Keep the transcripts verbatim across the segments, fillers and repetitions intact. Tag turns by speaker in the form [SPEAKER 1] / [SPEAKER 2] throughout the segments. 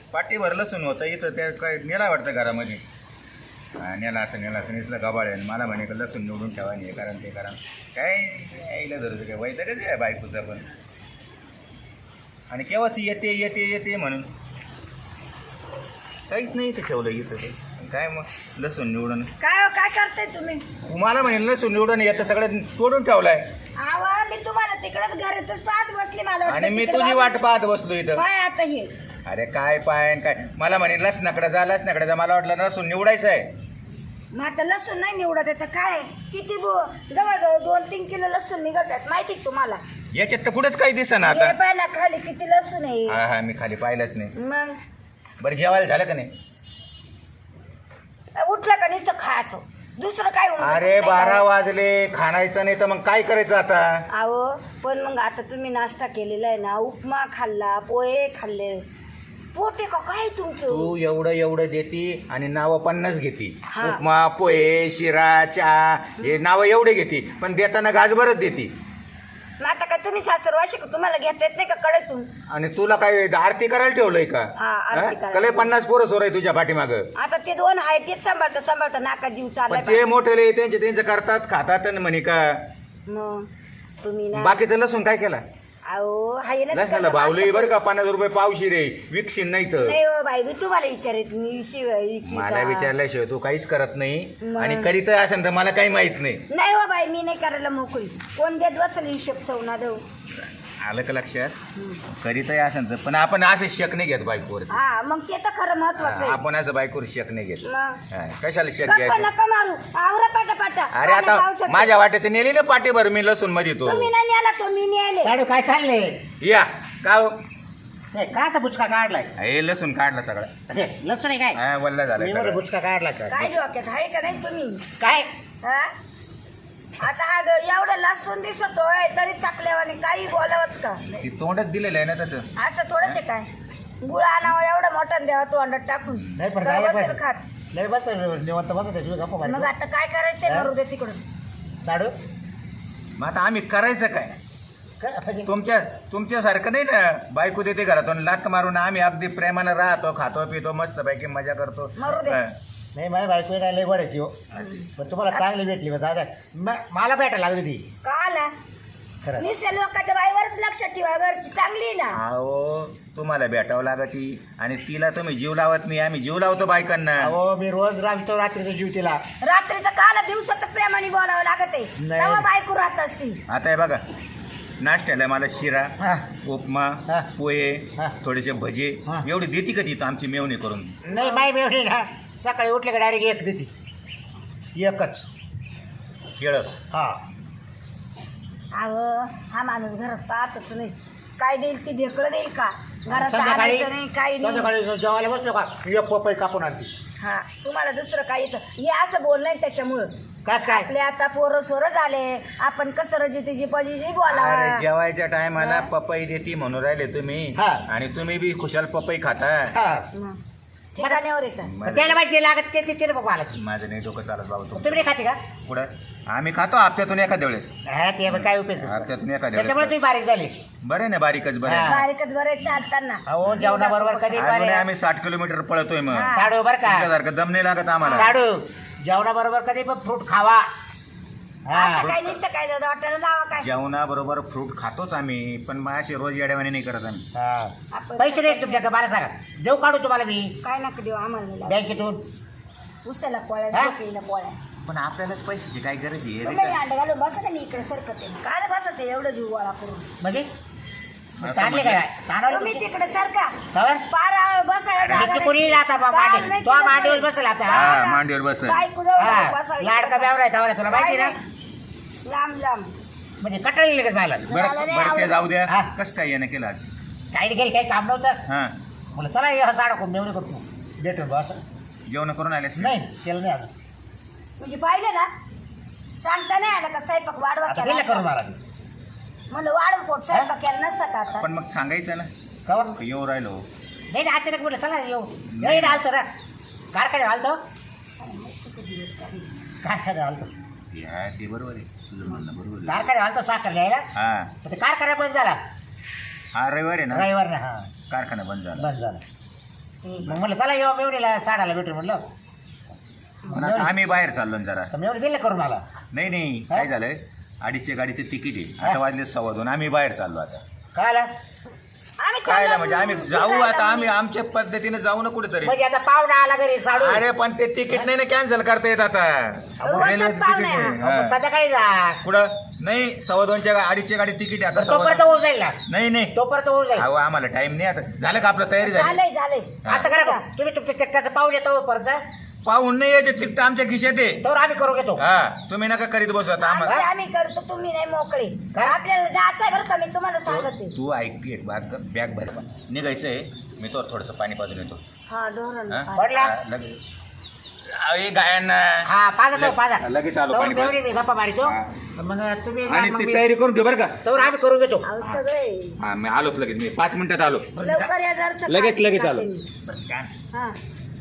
[SPEAKER 1] पाठीभर लसूण होतं इथं त्या काय नेला वाटतं घरामध्ये. हा, नेला असं नेला असं नेसलं गबाळे आणि मला म्हणे का लसूण निवडून ठेवा हे कारण ते कारण काय यायला धरतं काय वाईट कधी आहे बायकोचं पण. आणि केव्हाच येते येते येते म्हणून काहीच नाही इथं ठेवलं इथं ते काय मग लसूण निवडून
[SPEAKER 2] काय काय करताय तुम्ही?
[SPEAKER 1] तुम्हाला म्हणे लसूण निवडून येतं सगळं तोडून ठेवलाय.
[SPEAKER 2] आवा मी तुम्हाला तिकडच घरातच पाहत बसली मला वाटलं
[SPEAKER 1] आणि मी
[SPEAKER 2] तिकडं
[SPEAKER 1] तुझी वाट पाहत बसलो इथं.
[SPEAKER 2] काय आता हे
[SPEAKER 1] अरे काय पाय आणि काय मला म्हणे लसणाकडे जा लसणाकडे जा मला वाटलं लसूण निवडायचं आहे.
[SPEAKER 2] मग आता लसूण नाही निवडत आहे तर काय किती बो- जवळजवळ दोन तीन किलो लसूण निघत आहेत माहिती का तुम्हाला?
[SPEAKER 1] याच्यात तर कुठेच काही दिसना आता.
[SPEAKER 2] हे पाय ना खाली किती लसूण आहे.
[SPEAKER 1] हा हा मी खाली पाहिलंच नाही.
[SPEAKER 2] मग
[SPEAKER 1] बरं जेवायला झालं का नाही?
[SPEAKER 2] उठलं का नुसतं खायचं दुसरं काय होऊन
[SPEAKER 1] अरे
[SPEAKER 2] जातं, नाही
[SPEAKER 1] बारा
[SPEAKER 2] का?
[SPEAKER 1] वाजले खाणायचं नाही तर मग काय करायचं आता?
[SPEAKER 2] अहो पण मग आता तुम्ही नाश्ता केलेला आहे ना उपमा खाल्ला पोहे खाल्ले पोटे का काय तुमचं?
[SPEAKER 1] तू एवढं एवढं देती आणि नावं पन्नास घेती.
[SPEAKER 2] हा.
[SPEAKER 1] उपमा पोहे शिरा चहा हे नावं एवढे घेती पण देताना गाजभरच देती.
[SPEAKER 2] मग आता काय तुम्ही सासरवाशी का तुम्हाला घेता येत नाही का कडेतून?
[SPEAKER 1] आणि तुला काय आरती करायला ठेवलंय का?
[SPEAKER 2] हा, आरती करायला.
[SPEAKER 1] कले पन्नास पोरं सोर आहे तुझ्या पाठीमाग.
[SPEAKER 2] आता ते दोन आहे तेच सांभाळता सांभाळता नाका जीव चाललाय
[SPEAKER 1] पण ते मोठे त्यांचे त्यांचे करतात खातात आणि म्हणे का
[SPEAKER 2] मग तुम्ही ना
[SPEAKER 1] बाकीचं लसूण काय केला?
[SPEAKER 2] अहो हाय ना
[SPEAKER 1] लसणाला भावले बरं का पन्नास रुपये पावशी रे विकशील नाही तर.
[SPEAKER 2] नाही हो बाई मी तुम्हाला विचारित मी शिवाय इतकी
[SPEAKER 1] मला
[SPEAKER 2] का?
[SPEAKER 1] विचारल्याशिवाय तू काहीच करत नाही
[SPEAKER 2] मग.
[SPEAKER 1] आणि करीत असेल तर मला काही माहित नाही.
[SPEAKER 2] नाही हो बाई मी नाही करायला मोकळी कोण देत बसल हिशोब चवना देऊ.
[SPEAKER 1] आलं का लक्षात? करीतही असेल तर पण आपण असं शक नाही घेत बायकोवर.
[SPEAKER 2] हा मग ते तर खरं महत्वाचं आहे.
[SPEAKER 1] आपण असं बायकोवर शक नाही घेत.
[SPEAKER 2] मग
[SPEAKER 1] हा, कशाला शक
[SPEAKER 2] गप्पा
[SPEAKER 1] घ्यायचं?
[SPEAKER 2] नका मारू आवरा पाटा पाटा
[SPEAKER 1] अरे आता माझ्या वाट्याचं नेली ना पाठीभर मी लसूण मध्ये तो.
[SPEAKER 2] तुम्ही नाही न्याला तो मी न्यायले.
[SPEAKER 3] साडू काय चालले?
[SPEAKER 1] या का हो?
[SPEAKER 3] ते काचा बुचका काढलाय?
[SPEAKER 1] हे लसूण काढला सगळा.
[SPEAKER 3] अरे लसूण आहे काय?
[SPEAKER 1] हा वल्ला झाला
[SPEAKER 3] मी म्हणलं
[SPEAKER 1] सगळा.
[SPEAKER 3] बुचका काढला
[SPEAKER 2] काय
[SPEAKER 3] काय?
[SPEAKER 2] डोक्यात आहे का नाही तुम्ही?
[SPEAKER 3] काय?
[SPEAKER 2] हा? आता हा ग- एवढं लसूण दिसतोय तरी चाकल्यावाने काही बोलावंच का?
[SPEAKER 1] ती तोंडच दिलेलं आहे ना तसं.
[SPEAKER 2] असं थोडंच आहे काय? गुळ आणावं एवढं मोठं द्यावं तो अंडा टाकून
[SPEAKER 3] नाही पण
[SPEAKER 2] तर
[SPEAKER 3] काय
[SPEAKER 2] बसेल
[SPEAKER 3] पण-
[SPEAKER 2] खात.
[SPEAKER 3] लय बस निवंत बसत आहे, तुझं गप्पा
[SPEAKER 2] मग
[SPEAKER 3] मारतो.
[SPEAKER 2] आता काय करायचंय
[SPEAKER 3] हा?
[SPEAKER 2] मरू दे तिकडून.
[SPEAKER 3] साडू
[SPEAKER 1] मग आता आम्ही करायचं काय?
[SPEAKER 3] काय म्हणजे?
[SPEAKER 1] तुमच्या तुमच्यासारखं नाही ना बायको देते घरातून लात मारून आम्ही अगदी प्रेमानं राहतो खातो पितो मस्त पैकी मजा करतो.
[SPEAKER 2] मरू दे.
[SPEAKER 1] हा.
[SPEAKER 3] नाही माझी बायको नाही लय गोडायची हो पण तुम्हाला चांगली भेटली बस आता म- मला भेटायला लागली ती
[SPEAKER 2] का आला
[SPEAKER 3] खरं.
[SPEAKER 2] निसल्या लोकांच्या बाईवरच लक्ष ठेवा घरची चांगली आहे ना.
[SPEAKER 1] अहो तुम्हाला भेटावं लागती आणि तिला तुम्ही जीव लावत नाही आम्ही जीव लावतो बायकांना.
[SPEAKER 3] अहो मी रोज राहतो रात्रीचा जीव तिला.
[SPEAKER 2] रात्रीचं काला दिवसाचं प्रेमाने बोलावं लागत आहे
[SPEAKER 3] नाही.
[SPEAKER 2] तेव्हा बायको राहत असती.
[SPEAKER 1] आता हे बघा नाश्त्याला मला शिरा
[SPEAKER 3] हा.
[SPEAKER 1] उपमा
[SPEAKER 3] हा.
[SPEAKER 1] पोहे
[SPEAKER 3] हा.
[SPEAKER 1] थोडेसे भजे
[SPEAKER 3] हा.
[SPEAKER 1] एवढी देती का तिथं आमची मेवणी करून?
[SPEAKER 3] नाही माय मिळवली ना सकाळी उठले का डायरेक्ट एक देते एकच.
[SPEAKER 1] केळ
[SPEAKER 3] हा
[SPEAKER 2] अहो हा माणूस घरात पाहतच नाही काय देईल ती ढेकळं देईल का घरात
[SPEAKER 3] संध्याकाळी
[SPEAKER 2] आणायचं नाही काही नाही.
[SPEAKER 3] संध्याकाळी जेवायला बसलो का एक पपई कापून आणते.
[SPEAKER 2] हा तुम्हाला दुसरं काय येतं हे असं बोलणं आहे त्याच्यामुळं.
[SPEAKER 3] कास काय?
[SPEAKER 2] आपले आता पोरं सोरं झाले आपण कसं रजितीची पजिती
[SPEAKER 1] अरे
[SPEAKER 2] बोलावा.
[SPEAKER 1] जेवायच्या टायमाला पपई देती म्हणून राहिले तुम्ही
[SPEAKER 3] हा.
[SPEAKER 1] आणि तुम्ही बी खुशाल पपई खाता.
[SPEAKER 3] हा
[SPEAKER 2] मग ठिकाण्यावर आहे का?
[SPEAKER 3] मग त्याला माहिती लागत ते तिथे बघू आला ती.
[SPEAKER 1] माझं नाही डोकं चालत बाबा
[SPEAKER 3] तुम्ही नाही खाते का?
[SPEAKER 1] पुढं आम्ही खातो हप्त्यातून एखाद्या वेळेस.
[SPEAKER 3] हा ते मग काय उपयोग?
[SPEAKER 1] हप्त्यातून एखाद्या
[SPEAKER 3] त्याच्यामुळे
[SPEAKER 1] वेळेस
[SPEAKER 3] तुम्ही बारीक झाले.
[SPEAKER 1] बरं ना बारीकच बरं
[SPEAKER 3] हा.
[SPEAKER 1] आहे.
[SPEAKER 2] बारीकच बरे चालताना
[SPEAKER 3] अहो जेवणाबरोबर कधी
[SPEAKER 1] अजूनही
[SPEAKER 3] बारीक-
[SPEAKER 1] आम्ही साठ किलोमीटर पळतोय मग
[SPEAKER 2] हा.
[SPEAKER 3] साडू बर का
[SPEAKER 1] तुमच्यासारखं दम नाही लागत आम्हाला.
[SPEAKER 3] साडू जेवणाबरोबर कधी पण फ्रूट खावा. हा
[SPEAKER 2] असं काय नुसतं काय दादा वाटायला लावा काय
[SPEAKER 1] जेवणाबरोबर फ्रूट खातोच आम्ही पण माझ्या रोज येड्यावाने नाही करत आम्ही.
[SPEAKER 3] हा.
[SPEAKER 2] आपण
[SPEAKER 3] पैसे नाही तुमच्याकडे मला सांगा देऊ काढू तुम्हाला मी
[SPEAKER 2] काय नका देऊ आम्हाला नाही लागत.
[SPEAKER 3] बँकेतून.
[SPEAKER 2] उसाला पोळ्या
[SPEAKER 3] हा?
[SPEAKER 2] ढोकळीला पोळ्या
[SPEAKER 1] पण आपल्यालाच पैशाची काय गरज आहे रे
[SPEAKER 2] तुम्ही
[SPEAKER 1] काय?
[SPEAKER 2] अंड घालून बसत नाही इकडे सरकत आहे काय बसत आहे एवढं जीव गोळा करून
[SPEAKER 3] म्हणजे
[SPEAKER 1] आता
[SPEAKER 3] चांगले
[SPEAKER 1] म्हणजे-
[SPEAKER 3] काय तांदूळ
[SPEAKER 2] तुम्ही तिकडे सरका
[SPEAKER 3] खबर
[SPEAKER 2] पार आ- बसायला जागा
[SPEAKER 3] किती
[SPEAKER 2] नाही.
[SPEAKER 3] कोणी आता बा-
[SPEAKER 2] पार
[SPEAKER 3] मांडी-
[SPEAKER 2] नाही
[SPEAKER 3] तो
[SPEAKER 2] तिकडे
[SPEAKER 3] मांडीवर
[SPEAKER 2] पार.
[SPEAKER 3] बसेल आता.
[SPEAKER 1] हा,
[SPEAKER 2] पार.
[SPEAKER 1] मांडीवर बसेल.
[SPEAKER 2] बायकोजवळ
[SPEAKER 3] हा
[SPEAKER 2] बसावं
[SPEAKER 3] लाडका
[SPEAKER 2] इकडे.
[SPEAKER 3] बेवरा आहे तुला माहिती
[SPEAKER 2] काय
[SPEAKER 3] ना
[SPEAKER 2] नाही. लांब लांब
[SPEAKER 3] म्हणजे कटाळी लगेच मला
[SPEAKER 1] बरं
[SPEAKER 2] मला नाही
[SPEAKER 1] बरं ते
[SPEAKER 2] आवडत.
[SPEAKER 1] जाऊ द्या
[SPEAKER 3] हा.
[SPEAKER 1] कसं काय यानं केलं आज?
[SPEAKER 3] काही घरी काही काम नव्हतं
[SPEAKER 1] हा
[SPEAKER 3] मला चला हे साडा कोण मेवणी करतो भेटून बस.
[SPEAKER 1] जेवण करून आलेस ना?
[SPEAKER 3] नाही त्याला नाही अजून
[SPEAKER 2] म्हणजे पाहिलं ना सांगता नाही आलं का स्वयंपाक वाढवा
[SPEAKER 3] आता
[SPEAKER 2] केला
[SPEAKER 3] गेलं करून
[SPEAKER 2] असता.
[SPEAKER 3] मला ते
[SPEAKER 2] म्हणलं वाढव पोट स्वयंपाक केला नसता का आता
[SPEAKER 1] पण मग सांगायचं ना
[SPEAKER 3] खबर
[SPEAKER 1] का येऊ राहिलो.
[SPEAKER 3] नाही ना अचानक म्हटलं चला येऊ येईन आलतो ना कारखाने आलतो कारखाने आलतो
[SPEAKER 1] या ते बरोबर आहे तुझं म्हणणं बरोबर आहे.
[SPEAKER 3] कारखाने आलतो साखर घ्यायला
[SPEAKER 1] हा
[SPEAKER 3] तर ते कारखाना बंद झाला
[SPEAKER 1] हा रविवार आहे ना
[SPEAKER 3] रविवार ना हा
[SPEAKER 1] कारखाना बंद झाला.
[SPEAKER 3] बंद झाला मग म्हणलं चला येऊ मेवणीला साडाला भेटू म्हणलं
[SPEAKER 1] म्हणून आता आम्ही बाहेर चाललो ना जरा
[SPEAKER 3] तर मेवणी दिलं करून मला
[SPEAKER 1] नाही नाही काय झालंय अडीचशे गाडीचे तिकीट आहे आता वाजले सव्वा दोन आम्ही बाहेर चाललो आता
[SPEAKER 3] काय आलं?
[SPEAKER 2] आम्ही
[SPEAKER 1] काय
[SPEAKER 2] चाललो
[SPEAKER 1] म्हणजे आम्ही
[SPEAKER 2] फिरायला
[SPEAKER 1] जाऊ आता
[SPEAKER 2] म्हणे.
[SPEAKER 1] आम्ही आमच्या पद्धतीने जाऊ ना कुठेतरी
[SPEAKER 3] म्हणजे आता पाहुणा आला घरी साडू
[SPEAKER 1] अरे पण ते तिकीट नाही ना कॅन्सल करता येत आता
[SPEAKER 2] रोजचाच
[SPEAKER 1] रेल्वेचं
[SPEAKER 2] पाहुणा
[SPEAKER 1] तिकीट
[SPEAKER 2] आहे
[SPEAKER 1] आहे.
[SPEAKER 3] मग
[SPEAKER 1] हा.
[SPEAKER 3] संध्याकाळी जा
[SPEAKER 1] कुठं नाही सव्वा दोनच्या गा- अडीचच्या गाडी तिकीट आहे आता सव्वा
[SPEAKER 3] तोपर्यंत
[SPEAKER 1] दोन.
[SPEAKER 3] होऊन जाईल ना
[SPEAKER 1] नाही नाही
[SPEAKER 3] तोपर्यंत होऊन जाईल
[SPEAKER 1] अहो आम्हाला टाइम नाही आता झालं का आपलं तयारी झाली
[SPEAKER 2] झालंय झालंय
[SPEAKER 3] असं करा का? तुम्ही तुमच्या चक्काचं पाऊल येतो परत
[SPEAKER 1] पाहून नाही यायचे तिकीट आमच्या खिशात आहे
[SPEAKER 3] तर आम्ही करू घेतो
[SPEAKER 1] हा तुम्ही नका करीत बसू आता आम्हाला
[SPEAKER 2] आमचे आम्ही करतो तुम्ही नाही मोकळे
[SPEAKER 3] काय?
[SPEAKER 2] आपल्याला जायचं आहे बरं का मी तुम्हाला सांगते
[SPEAKER 1] तू ऐक एक बॅग बॅग भर निघायचं आहे मी तो थोडंसं पाणी पाजून येतो
[SPEAKER 2] हा धोरण
[SPEAKER 1] हा?
[SPEAKER 3] पडला?
[SPEAKER 1] हा, लगेच अहो, हे गायांना
[SPEAKER 3] हा पाजा तो पाजा
[SPEAKER 1] लगेच आलो
[SPEAKER 3] तर
[SPEAKER 1] पाणी पाज.
[SPEAKER 3] मेवणी मी गप्पा मारितो
[SPEAKER 1] हा.
[SPEAKER 3] मग तुम्ही जा,
[SPEAKER 1] आणि
[SPEAKER 3] मग
[SPEAKER 1] ती
[SPEAKER 3] मी-
[SPEAKER 1] तयारी करून ठेव बरं का
[SPEAKER 3] तर आम्ही करू घेतो
[SPEAKER 2] अहो सगळे
[SPEAKER 1] हा मी आलोच लगेच मी पाच मिनिटात आलो
[SPEAKER 2] लवकर या जर
[SPEAKER 1] लगेच लगेच आलो
[SPEAKER 2] हा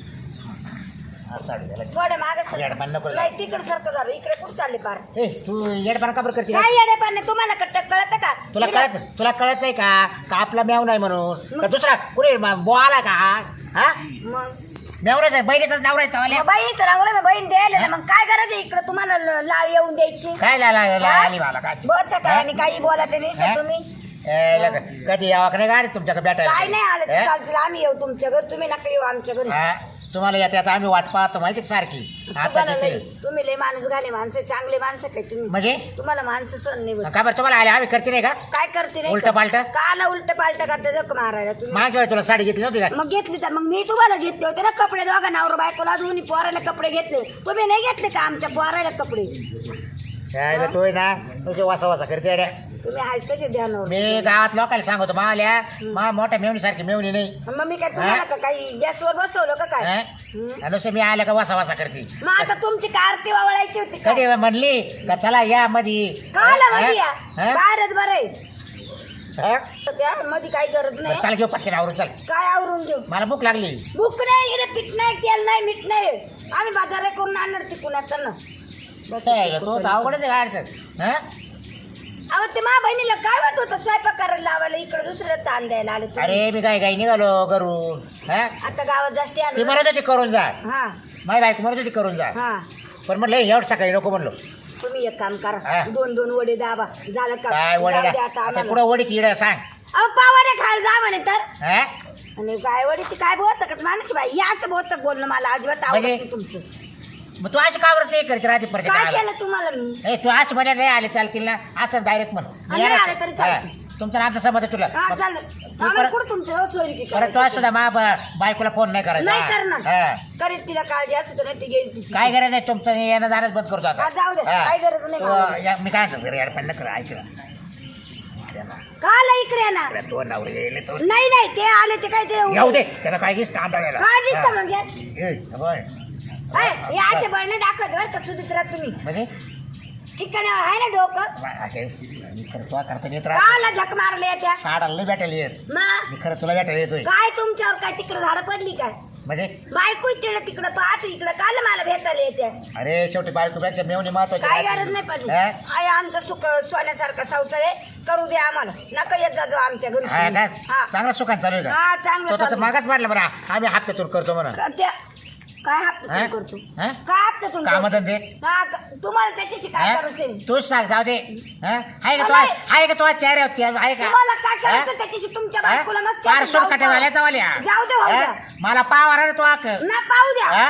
[SPEAKER 3] हा, साडी घाला.
[SPEAKER 2] थोडे मागे
[SPEAKER 3] येडपान नको
[SPEAKER 2] नाही तिकडे सारखं झालं इकडे कुठं चालले पार
[SPEAKER 3] ए तू येडपान का बरं करते
[SPEAKER 2] काय येडे नाही तुम्हाला कट्ट कळत का
[SPEAKER 3] तुला कळत तुला कळत नाही का का आपला मेव नाही म्हणून का दुसरा कुणी बो आला का हा
[SPEAKER 2] मग
[SPEAKER 3] मेवण्याच आहे बहिणीच नाव आहे तवाल्या.
[SPEAKER 2] मग बहिणीचं रांगोळी मग बहीण द्यायला ना मग काय गरज आहे इकडे तुम्हाला ल- लाळ येऊन द्यायची
[SPEAKER 3] काय ला- ला- ला- आली मला काय
[SPEAKER 2] बच काय आणि काही बोला ते नाही
[SPEAKER 3] हा?
[SPEAKER 2] तुम्ही
[SPEAKER 3] ए, लग- कधी यावा का नाही गाडी तुमच्याकडे भेटायला
[SPEAKER 2] काय नाही आलं तर
[SPEAKER 3] हा?
[SPEAKER 2] चालतील आम्ही येऊ तुमच्या घरी तुम्ही नका येऊ आमच्या घरी
[SPEAKER 3] हा? तुम्हाला येते आता आम्ही वाट पाहतो माहिती का सारखी आता
[SPEAKER 2] तुम्हाला
[SPEAKER 3] तिथे
[SPEAKER 2] लय- तुम्ही लय माणूस घाले माणसं चांगले माणसं काय तुम्ही
[SPEAKER 3] म्हणजे
[SPEAKER 2] तुम्हाला माणसं सण नाही होत.
[SPEAKER 3] का बरं तुम्हाला आले आम्ही करते नाही का
[SPEAKER 2] काय करते नाही
[SPEAKER 3] उलटं पालटं?
[SPEAKER 2] काला उलट पालट करते जग मारायला तुम्ही
[SPEAKER 3] मागच्या वेळी तुला साडी घेतली नव्हती का
[SPEAKER 2] मग घेतली तर मग मी तुम्हाला घेतले होते ना कपडे दोघा नवरा बायकोला दोन्ही पोरायला कपडे घेतले तुम्ही नाही घेतले का आमच्या पोरायला कपडे
[SPEAKER 3] काय रे, तू आहे ना तुझे वासा वासा करते अड्या.
[SPEAKER 2] तुम्ही आहेच तसे ध्यानावर
[SPEAKER 3] मी गावात लोकांना सांगतो मावल्या मा मोठ्या मेवणी सारखी मेवणी नाही
[SPEAKER 2] मग मी काय तुम्हाला का काही गॅसवर बसवलं का काय
[SPEAKER 3] हा?
[SPEAKER 2] हं?
[SPEAKER 3] आणि नुसतं मी आलं का वासा वासा करते
[SPEAKER 2] मग आता तुमची का आरती वावळायची होती का
[SPEAKER 3] कधी म्हणली का चला या मधी
[SPEAKER 2] काला मध्ये या
[SPEAKER 3] हा?
[SPEAKER 2] बाहेरच बरं आहे
[SPEAKER 3] हा?
[SPEAKER 2] त्या मध्ये काही गरज
[SPEAKER 3] बरं,
[SPEAKER 2] नाही
[SPEAKER 3] चल घेऊ पटकन आवरून चल
[SPEAKER 2] काय आवरून घेऊ
[SPEAKER 3] मला भूक लागली
[SPEAKER 2] भूक नाही इकडे पीठ नाही तेल नाही मीठ नाही आम्ही बाजार करून आणणार तिकून आता ना बस
[SPEAKER 3] काय, तो तर अवघडच आहे गाडचं हा?
[SPEAKER 2] अहो ते मा बहिणीला काय होत होतं स्वयंपाक करायला लावायला इकडे दुसरं ताण द्यायला आले तुम्ही.
[SPEAKER 3] अरे मी काय काही निघालो घरून हा?
[SPEAKER 2] आता गावात जास्त
[SPEAKER 3] ती
[SPEAKER 2] आणलं
[SPEAKER 3] म्हणत होती करून जा
[SPEAKER 2] हा
[SPEAKER 3] माझी बायको म्हणत होती करून जा
[SPEAKER 2] हा
[SPEAKER 3] पण म्हटलं एवढं सकाळी नको म्हणलो
[SPEAKER 2] तुम्ही एक काम
[SPEAKER 3] हा.
[SPEAKER 2] करा दोन दोन वडे दाबा झालं का
[SPEAKER 3] काय वडीला
[SPEAKER 2] जाऊ द्या आता
[SPEAKER 3] आता
[SPEAKER 2] आम्हाला.
[SPEAKER 3] कुठं वडीत इड सांग
[SPEAKER 2] अहो पावाडे खायला जा म्हणे तर
[SPEAKER 3] हा?
[SPEAKER 2] आणि काय वडी ती काय बोचकच माणूस बाई या असं बोचक बोलणं मला अजिबात आवडत
[SPEAKER 3] म्हणजे?
[SPEAKER 2] नाही तुमचं
[SPEAKER 3] मग तू अशी का बरं ते करते राहते परत
[SPEAKER 2] काय केलं तुम्हाला मी
[SPEAKER 3] ए तू असं म्हणे नाही आले चालतील ना असं डायरेक्ट म्हण
[SPEAKER 2] नाही आले तरी चालतील.
[SPEAKER 3] हा. तुमचं नाम तर समज आहे तुला
[SPEAKER 2] हा
[SPEAKER 3] मग
[SPEAKER 2] चालेल
[SPEAKER 3] तू
[SPEAKER 2] आम्हाला
[SPEAKER 3] परत
[SPEAKER 2] कुठं तुमचं सोयरी की
[SPEAKER 3] परत तू आज सुद्धा मा ब- बायकोला फोन नाही करायचा
[SPEAKER 2] नाही
[SPEAKER 3] हा.
[SPEAKER 2] करणार
[SPEAKER 3] हा.
[SPEAKER 2] करीत तिला काळजी असते तर नाही ती घेईल तिची
[SPEAKER 3] काय गरज आहे तुमचं येणं जाणंच बंद करतो आता
[SPEAKER 2] हा, जाऊ दे.
[SPEAKER 3] हा.
[SPEAKER 2] काय गरज नाही
[SPEAKER 3] तो,
[SPEAKER 2] मला.
[SPEAKER 3] या- मी काय म्हणतो यार पण नका ऐक ना.
[SPEAKER 2] काला इकडे येणार
[SPEAKER 3] अरे तो नवरे येईल तो
[SPEAKER 2] नाही नाही ते आले ते काय ते
[SPEAKER 3] येऊ दे त्याला काय दिसतं आंधळ्याला.
[SPEAKER 2] काय दिसतं
[SPEAKER 3] हा.
[SPEAKER 2] म्हणजे
[SPEAKER 3] ए, होय.
[SPEAKER 2] काय हे असे बळणे दाखवत बरं का सुधित्रा तुम्ही
[SPEAKER 3] म्हणजे
[SPEAKER 2] ठिकाणावर आहे ना डोकं
[SPEAKER 3] मा- आता मी खरं तुला करता येत राहतो
[SPEAKER 2] काला झक मारले त्या
[SPEAKER 3] साडाला नाही भेटायला येत
[SPEAKER 2] मग
[SPEAKER 3] मी खरं तुला भेटायला येतोय
[SPEAKER 2] काय तुमच्यावर काय तिकडे झाडं पडली काय
[SPEAKER 3] म्हणजे
[SPEAKER 2] बायको तिकडे तिकडे पाहत इकडे काल मला भेटायला येते
[SPEAKER 3] अरे शेवटी बायकोपेक्षा मेवणी महत्वाची
[SPEAKER 2] काय
[SPEAKER 3] राहते.
[SPEAKER 2] गरज नाही पडली
[SPEAKER 3] हा?
[SPEAKER 2] आहे आमचं सुख सोन्यासारखा संसार आहे करू दे आम्हाला नका येत जा जो आमच्या घरी
[SPEAKER 3] हा का
[SPEAKER 2] हा.
[SPEAKER 3] चांगला सुखान चालू आहे
[SPEAKER 2] हा,
[SPEAKER 3] का
[SPEAKER 2] चांगलं
[SPEAKER 3] तो तर
[SPEAKER 2] चालू.
[SPEAKER 3] मागाच वाटलं बरं आम्ही हप्त्यातून करतो म्हणा
[SPEAKER 2] का त्या काय हप्ता
[SPEAKER 3] हा?
[SPEAKER 2] करतो
[SPEAKER 3] हा?
[SPEAKER 2] काय हप्ता तुम्ही
[SPEAKER 3] कामधंदे
[SPEAKER 2] हा का- तुम्हाला त्याच्याशी काय करायचं
[SPEAKER 3] तूच सांग जाऊ दे हा? आहे का तो
[SPEAKER 2] नाही.
[SPEAKER 3] आहे का तो चेहरे होती आज आहे का
[SPEAKER 2] तुम्हाला काय
[SPEAKER 3] हा?
[SPEAKER 2] करायचं त्याच्याशी तुमच्या
[SPEAKER 3] हा?
[SPEAKER 2] बायकोला मस्त
[SPEAKER 3] फार
[SPEAKER 2] जाऊ
[SPEAKER 3] सुरकटे
[SPEAKER 2] पाहू.
[SPEAKER 3] झाल्या चवाल्या
[SPEAKER 2] जाऊ दे भाऊ
[SPEAKER 3] हा?
[SPEAKER 2] द्या.
[SPEAKER 3] मला पाव आला रे तो आक
[SPEAKER 2] ना पाहू द्या
[SPEAKER 3] हा?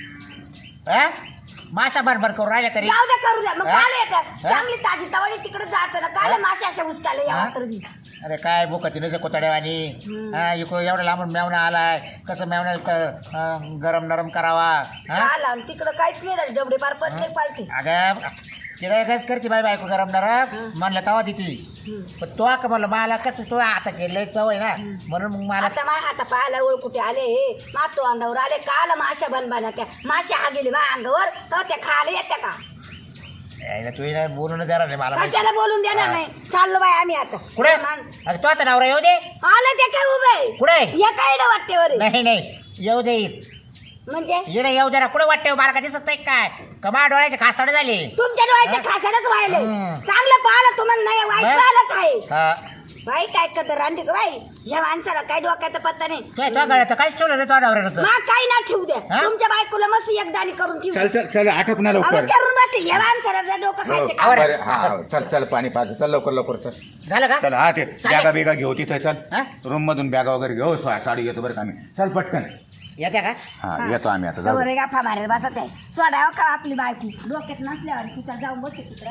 [SPEAKER 3] हा? माशा भरभर करून राहिल्या तरी
[SPEAKER 2] जाऊ द्या करू द्या मग
[SPEAKER 3] हा?
[SPEAKER 2] काल येतात
[SPEAKER 3] हा?
[SPEAKER 2] चांगली ताजी तवाली तिकडे जायचं ना काल मासे अशा उचताले या
[SPEAKER 3] हा?
[SPEAKER 2] वात्रजी
[SPEAKER 3] अरे काय बुकाची नसे कोतड्यावानी हा इकडं एवढं लांबून मेवणा आलाय कसं मेवण्याला तर अं, गरम नरम करावा हा
[SPEAKER 2] काल आणि तिकडं काहीच नाही राहिलं डबडे पार पडले पालते
[SPEAKER 3] अगं तिला काहीच करते बाई बायको गरम नरम म्हणलं तवा देती पण तो का म्हणलं मला कसं तो आता लय चव आहे ना म्हणून मग मला
[SPEAKER 2] आता माझ्या हाता पायाला ओळ कुठे आले मातो अंडावर आले काल माशा बनबाना त्या माशा हा गेली माझ्या अंगावर तर त्या खायला येत्या का
[SPEAKER 3] यायला तू हिला बोलून देणार नाही मला माहिती.
[SPEAKER 2] कशाला बोलून देणार
[SPEAKER 3] हा.
[SPEAKER 2] नाही चाललो बाई आम्ही आता
[SPEAKER 3] कुठे
[SPEAKER 2] मान-
[SPEAKER 3] अगं तो आता नवरा येऊ दे
[SPEAKER 2] आले ते काय उभे
[SPEAKER 3] कुठे
[SPEAKER 2] या काय वाटतेवर आहे.
[SPEAKER 3] नाही नाही येऊ दे
[SPEAKER 2] म्हणजे
[SPEAKER 3] इकडे येऊ दे ना कुठे वाटते मला का दिसत नाही काय कमा डोळ्याचे खासाड झाले
[SPEAKER 2] तुमच्या डोळ्याच्या खासाडच व्हायले
[SPEAKER 3] हम्म.
[SPEAKER 2] चांगलं पाहिलं तुम्हाला नाही वाईट
[SPEAKER 3] बरं.
[SPEAKER 2] पाहिलंच आहे
[SPEAKER 3] हा
[SPEAKER 2] बाई काय करतो रांडी का बाई ह्या माणसाला काय डोक्याचा पत्ता नाही
[SPEAKER 3] काय तो गळ्यात काहीच ठेवलं नाही तो नवऱ्यानं
[SPEAKER 2] मग काही ना ठेवू द्या
[SPEAKER 3] हा?
[SPEAKER 2] तुमच्या बायकोला मस्त एकदाणी करून ठेवू
[SPEAKER 1] चल चल चल आटप ना
[SPEAKER 2] अहो,
[SPEAKER 1] लवकर
[SPEAKER 2] करून बसते ह्या माणसाला जर डोकं
[SPEAKER 1] हो,
[SPEAKER 2] खायचं का
[SPEAKER 1] बरं, हा हा, चल चल पाणी पाच चल लवकर लवकर चल
[SPEAKER 3] झालं का
[SPEAKER 1] चल हा ते
[SPEAKER 3] चालेल.
[SPEAKER 1] बॅगा बिगा घेऊ तिथे चल
[SPEAKER 3] हा?
[SPEAKER 1] रूम मधून बॅगा वगैरे घेऊ सा- साडी घेतो बरं का आम्ही चल पटकन
[SPEAKER 3] येत्या का
[SPEAKER 1] हा येतो आम्ही आता जाऊ
[SPEAKER 2] जवळ
[SPEAKER 1] दे.
[SPEAKER 2] गाफा मारेल बसत आहे सोडाव का आपली बायको डोक्यात नसल्यावर तिच्या जाऊन बसते तिकडं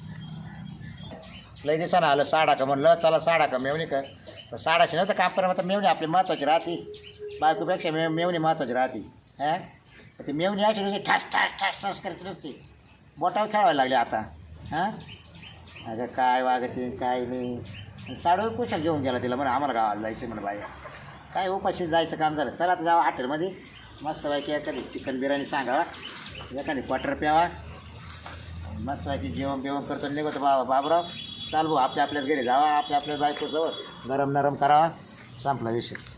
[SPEAKER 3] लय दिवसानं आलं साडा का म्हणलं चला साडा का मेवणी का तर साडाची नव्हतं काम पण आता मेवणी आपली महत्वाची राहते बायकोपेक्षा मे मेवणी महत्वाची राहते हां ती मेवणी अशी नुसती ठास ठास ठास ठास करत नसते बोटावर खेळायला लागले आता हां अगं काय वागते काय नाही साडू कुशाल घेऊन गेला तिला म्हणा आम्हाला गावाला जायचं म्हणा बाया काय उपाशी जायचं काम झालं चला आता जावा हॉटेलमध्ये मस्त बायकी एखादी चिकन बिर्याणी सांगावा एखादी क्वार्टर प्यावा मस्त बायकी जेवण बिवण करतो निघतो बाबा बाबराव चाल भाऊ आपल्या आपल्याच घरी जावा आपल्या आपल्या बायकोजवळ गरम नरम करावा संपला विषय